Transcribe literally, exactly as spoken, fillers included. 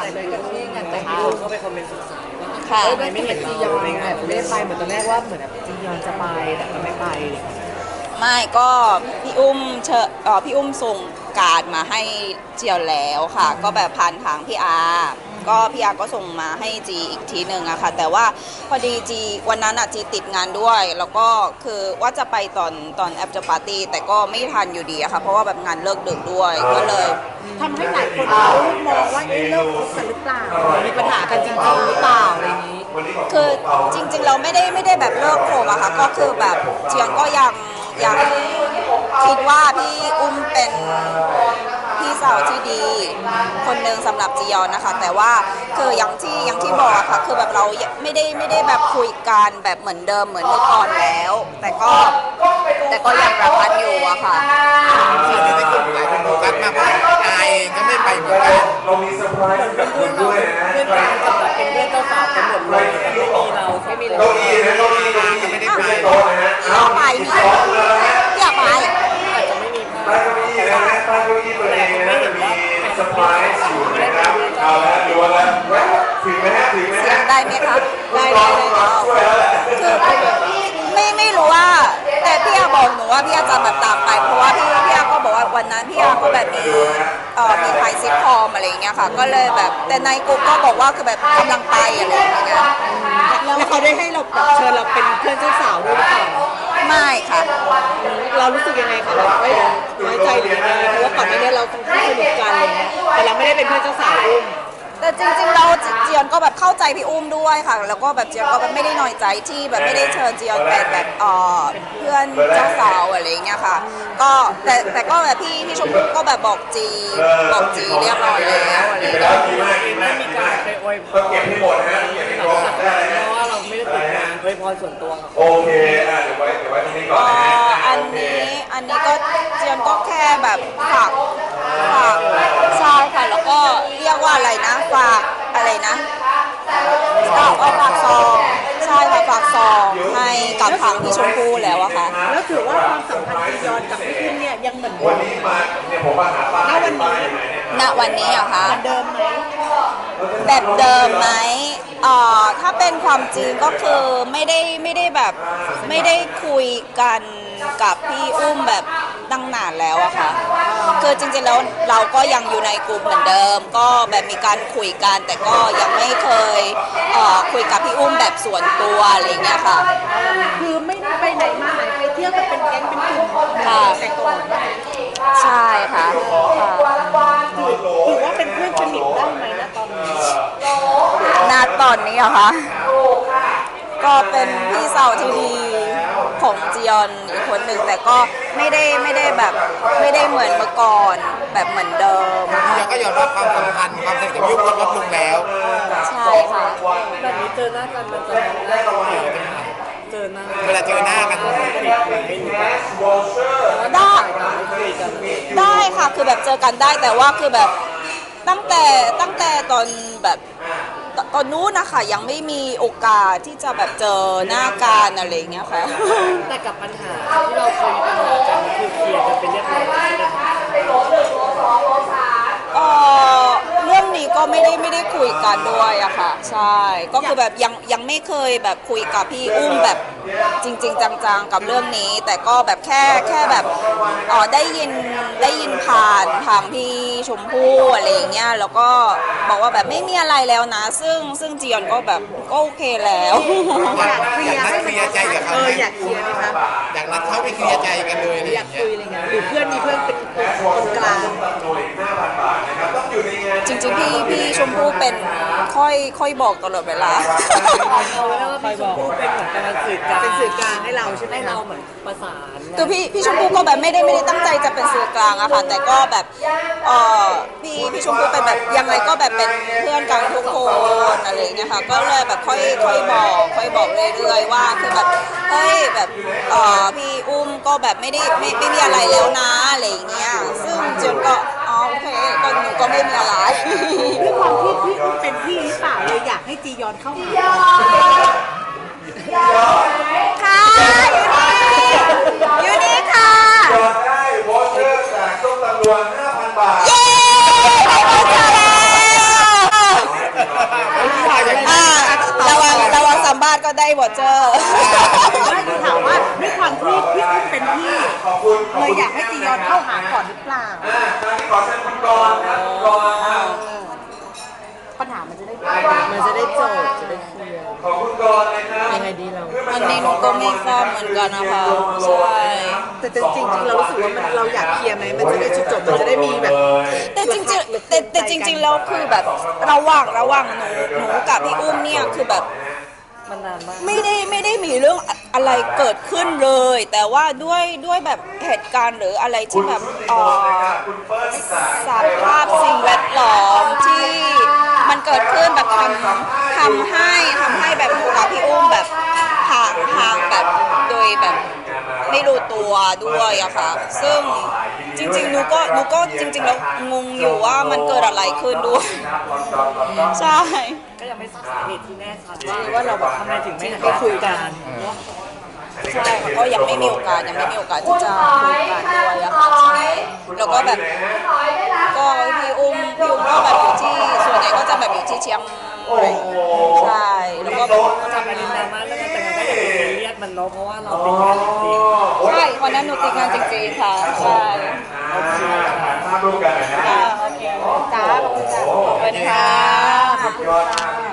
เลยกันที่งานแต่งพี่อุ้มเข้าไปคอมเมนต์สงสัยว่าค่ะทำไมไม่เห็นจียอนแอบไม่ได้ไปเหมือนตอนแรกว่าเหมือนแบบจียอนจะไปแต่ก็ไม่ไปเลยค่ะไม่ก็พี่อุ้มเชอเอ่อพี่อุ้มส่งการ์ดมาให้เจียวแล้วค่ะ ก็แบบผ่านทางพี่อาร์ก็พี่อาร์ก็ส่งมาให้จีอีกทีหนึ่งอะค่ะแต่ว่าพอดีจีวันนั้นอะจีติดงานด้วย แล้วก็คือว่าจะไปตอนตอนแอปจะปาร์ตี้แต่ก็ไม่ทันอยู่ดีอะค่ะเพราะว่าแบบงานเลิกดึกด้วยก็เลยทำให้หลายคนเขามองว่าเอ๊ะเลิกคบกันหรือเปล่ามีปัญหากันจริงๆหรือเปล่าอะไรอย่างนี้คือจริงๆเราไม่ได้ไม่ได้แบบเลิกโคมอะค่ะก็คือแบบเจียนก็ยังยังคิดว่าพี่อุ้มเป็นพี่สาวที่ดีคนหนึ่งสำหรับจียอนนะคะแต่ว่าคืออย่างที่อย่างที่บอกอะค่ะคือแบบเราไม่ได้ไม่ได้แบบคุยกันแบบเหมือนเดิมเหมือนเมื่อก่อนแล้ว แต่ก็แต่ก็ยังรักกันอยู่อะค่ะส่วนในกลุ่มหลายคนโฟกัสมากว่าอายเองก็ไม่ไปเหมือนกันเรามีเซอร์ไพรส์กับคุณด้วยนะเพื่อนกันกับแบบเป็นเพื่อนเจ้าสาวกันหมดเลยไม่มีเราไม่มีเราเก้าอี้นะเก้าอี้เก้าอี้ไม่ได้ไปโต๊ะนะฮะอยากไปนี่อยากไปอาจจะไม่มีใต้เก้าอี้นะฮะใต้เก้าอี้ตัวเองนะจะมีเซอร์ไพรส์อยู่นะครับเอาละดูแล้วถึงไหมฮะถึงไหมฮะเสียงได้ไหมคะได้ได้ได้ช่วยแล้วแหละคือไม่ไม่รู้ว่าแต่พี่อาบอกหนูว่าพี่อาจะแบบตามไปเพราะว่าพี่พี่อาก็บอกว่าวันนั้นพี่อาก็แบบมีเอ่อมีไทยซิทคอมอะไรอย่างเงี้ยค่ะก็เลยแบบแต่ในกลุ่มก็บอกว่าคือแบบกำลังไปอะไรอย่างเงี้ยแล้วเขาได้ให้เราแบบเชิญเราเป็นเพื่อนเจ้าสาวด้วยหรือเปล่าไม่ค่ะเรารู้สึกยังไงคะแบบไม่น้อยใจหรือยังไงเพราะว่าก่อนหน้านี้เราค่อนข้างสนิทกันอะไรเงี้ยแต่เราไม่ได้เป็นเพื่อนเจ้าสาวอุ้มแต่จริงๆเราเจียนก็แบบเข้าใจพี่อุ้มด้วยค่ะแล้วก็แบบเจียนก็แบบไม่ได้น้อยใจที่แบบไม่ได้เชิญเจียนเป็นแบบเอ่อเพื่อนเจ้าสาวอะไรเงี้ยค่ะก็แต่แต่ก็แบบพี่พี่ชมพู่ก็แบบบอกจีบอกจีเรียบร้อยแล้วอะไรเงี้ยไม่มีการไปอวยพรเก็บให้หมดนะเก็บให้หมดเพราะว่าเราไม่ได้ติดงานอวยพรส่วนตัวโอเคอ่ะเดี๋ยวไว้เดี๋ยวไว้ตรงนี้ก่อนนะอันนี้อันนี้ก็เจียนก็แค่แบบฝากฝากใช่ค่ะแล้วก็เรียกว่าอะไรนะฝากอะไรนะเอาเอาฝากซองใช่ค่ะฝากซองให้กับทางพี่ชมพู่แล้วอะค่ะแล้วถือว่าความสัมพันธ์จียอนกับพี่อุ้มเนี่ยยังเหมือนเดิวันมนี้มาเนี่ยผมมาหาป้าณวันนี้ณวันนี้เหรอคะเหมือนเดิมไหมแบบเดิมไหมเอ่อถ้าเป็นความจริงก็คือไม่ได้ไม่ได้แบบไม่ได้คุยกันกับพี่อุ้มแบบตั้งนานแล้วอะค่ะคือจริงๆแล้วเราก็ยังอยู่ในกลุ่มเหมือนเดิมก็แบบมีการคุยกันแต่ก็ยังไม่เคยเอ่อคุยกับพี่อุ้มแบบส่วนตัวอะไรเงี้ยค่ะคือไม่ได้ไปไหนมาไหนไปเที่ยวกันเป็นแก๊งเป็นกลุ่มแต่ก่อนใช่ค่ะถือว่าเป็นเพื่อนสนิทได้ไหมนะตอนนี้ณตอนนี้อะคะก็เป็นพี่สาวที่ดีของจียอนอีกคนหนึ่งแต่ก็ไม่ได้ไม่ได้แบบไม่ได้เหมือนเมื่อก่อนแบบเหมือนเดิมจียอนก็ยอมรับความสัมพันธ์ความสนิทกับยุคลดลงแล้วใช่ค่ะแบบนี้เจอหน้ากันมันจะได้ตรงไหนเจอหน้าเวลาเจอหน้ากันได้ได้ค่ะคือแบบเจอกันได้แต่ว่าคือแบบตั้งแต่ตั้งแต่ตอนแบบตอนนู้นนะคะยังไม่มีโอกาสที่จะแบบเจอหน้ากันอะไรเงี้ยค่ะแต่กับปัญหาที่เราเคยมีปัญหากันคือเคลียร์กันเป็นเรียบร้อยเออเรื่องนี้ก็ไม่ได้ไม่ได้คุยกันด้วยอะค่ะใช่ก็คือแบบยังยังไม่เคยแบบคุยกับพี่อุ้มแบบจริงๆจังๆกับเรื่องนี้แต่ก็แบบแค่แค่แบบอ๋อได้ยินได้ยินผ่านทางพี่ชมพู่อะไรเงี้ยแล้วก็บอกว่าแบบไม่มีอะไรแล้วนะซึ่งซึ่งจียอนก็แบบก็โอเคแล้วอยากเคลียร์ให้เคลียร์ใจกับเขาเอออยากเคลียร์ไหมคะอยากนัดเขาไปเคลียร์ใจกันเลยอยากคุยอะไรเงี้ยหรือเพื่อนมีเพื่อนเป็นคนกลางจริงๆพี่พี่ชมพู่เป็นค่อยค่อยบอกตลอดเวลาเอาไว้ว่าพี่ชมพู่เป็นเหมือนการสื่อกลางเป็นสื่อกลางให้เราใช่ไหมเราเหมือนประสานคือพี่พี่ชมพู่ก็แบบไม่ได้ไม่ได้ตั้งใจจะเป็นสื่อกลางอะค่ะแต่ก็แบบเออพี่พี่ชมพู่เป็นแบบยังไงก็แบบเป็นเพื่อนกันทุกคนอะไรเงี้ยค่ะก็เลยแบบค่อยค่อยบอกค่อยบอกเรื่อยๆว่าคือแบบเฮ้ยแบบเออพี่อุ้มก็แบบไม่ได้ไม่ไม่มีอะไรแล้วนะอะไรเงี้ยซึ่งจนก็อ๋อโอเคก็หนูก็ไม่มีอะไรด้วยความที่พี่อุ้มเป็นพี่หรือเปล่าเลยอยากให้จียอนเข้ามาค่ะอยู่นี่ค่ะยอดได้วอเชอร์จากส้มตำรวจ ห้าพัน บาทเย้ได้วอเชอร์แล้วได้วอเจอร์ไม่คือถามว่าด้วยความที่พี่อุ้มเป็นพี่ขอบคุณขบเลยคุณอยากให้จียอนเข้าหาก่อนหรือเปล่าอ่าครั้งนี้ขอเชิญคุณกรณ์ครับคุณกรณ์ครับปัญหามันจะได้มันจะได้จบจะได้เคลียร์ขอบคุณกรณ์นะครับยังไงดีเราอันนี้หนูก็ไม่ทราบเหมือนกันนะคะใช่แต่จริงๆเรารู้สึกว่ามันเราอยากเคลียร์ไหมมันจะได้จบๆมันจะได้มีแบบแต่จริงๆแต่แต่จริงๆแล้วคือแบบระหว่างระหว่างหนูหนูกับพี่อุ้มเนี่ยคือแบบมันนานมากไม่ได้ไม่ได้มีเรื่องอะไรเกิดขึ้นเลย แต่ว่าด้วยด้วยแบบเหตุการณ์หรืออะไรที่แบบเอ่อคุณเฟิร์สสายสภาพสิ่งแวดล้อมที่มันเกิดขึ้นแบบทำทำให้ทำให้แบบหนูกับพี่อุ้มแบบห่างห่างแบบโดยแบบไม่รู้ตัวด้วยอะค่ะซึ่งจริงๆหนูก็หนูก็จริงๆแล้วงงอยู่ว่ามันเกิดอะไรขึ้นด้วยใช่ก็ยังไม่ทราบสาเหตุที่แน่ชัดว่าว่าเราแบบทำไมถึงไม่ไม่คุยกันใช่ค่ะก็ยังไม่มีโอกาสยังไม่มีโอกาสที่จะคุยกันด้วยอะค่ะใช่แล้วก็แบบก็พี่อุ้มพี่อุ้มก็แบบอยู่ที่ส่วนใหญ่ก็จะแบบอยู่ที่เชียงใหม่ใช่แล้วก็แบบก็ทำอะไรดราม่าแล้วแต่งงานก็อย่าไปซีเรียสมันเนาะเพราะว่าเราเป็นงานจริงใช่วันนั้นหนูติดงานจริงๆค่ะใช่โอเคถ่ายภาพร่วมกันหน่อยนะค่ะโอเคจ้าขอบคุณจ้าขอบคุณค่ะยอดมาก